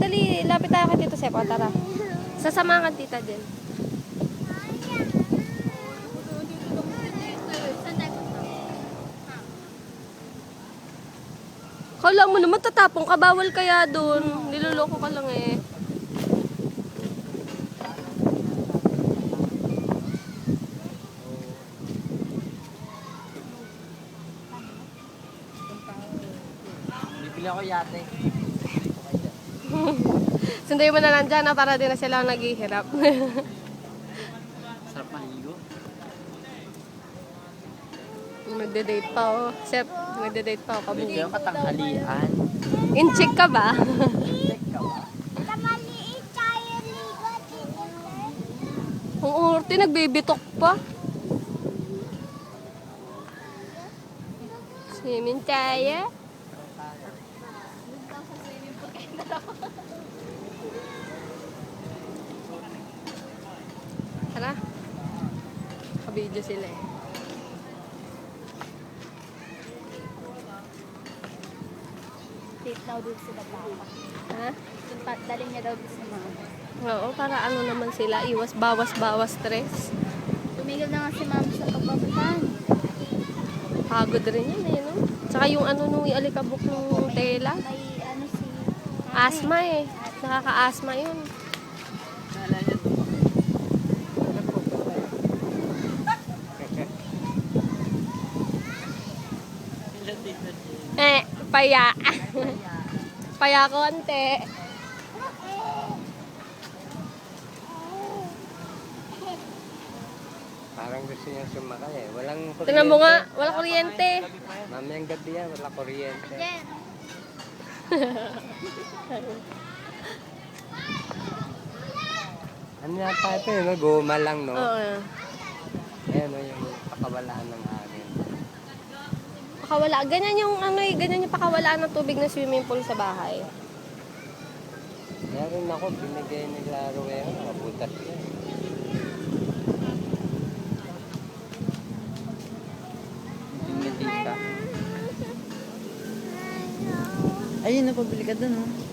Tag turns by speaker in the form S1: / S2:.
S1: dali. Lapit tayo kay Tito Sepo. Tara. Sasamahan ka tita din. Kala mo naman tatapong ka. Bawal kaya doon. Niloloko ka lang eh.
S2: Bibili ako yate.
S1: Sunday mo na lang dyan para din na sila naghihirap.
S2: Sarap maligo.
S1: Magde-date pa oh. Sep, magde-date pa ako.
S2: Bibili ako katanghalian.
S1: In-check ka ba?
S2: Check ka ba?
S1: Ang orte, nagbibitok pa. Swimming tayo. Tara. Kabidyo sila eh.
S3: Date daw dito sila papa.
S1: Ha?
S3: Daling niya daw dito sa mama.
S1: Oo, para ano naman sila, iwas, bawas stress.
S3: Tumigil na nga si mama sa pagbabahan.
S1: Pagod rin yan eh, no? Tsaka yung ano nung alikabok ng tela.
S3: May ano si...
S1: Asma eh. Nakaka-asma yun.
S2: Naalala niya to.
S1: Paya. Paya konti.
S4: Parang gusto niya sumakay eh. Walang kuryente.
S1: Tingnan mo nga, wala kuryente.
S4: Mamayang gabi yan, wala kuryente.
S3: Jen!
S4: Ano yata ito eh, no? Guma lang, no?
S1: Oo.
S4: Ayan, no? Yung pakawalaan ng hangin.
S1: Pakawala. Ganyan yung ano eh, ganyan yung pakawalaan ng tubig ng swimming pool sa bahay.
S4: Meron ako, binigay nila Ruero, nakabutas yan.
S2: Tingnan ka. Ayun, napabili ka dun, oh.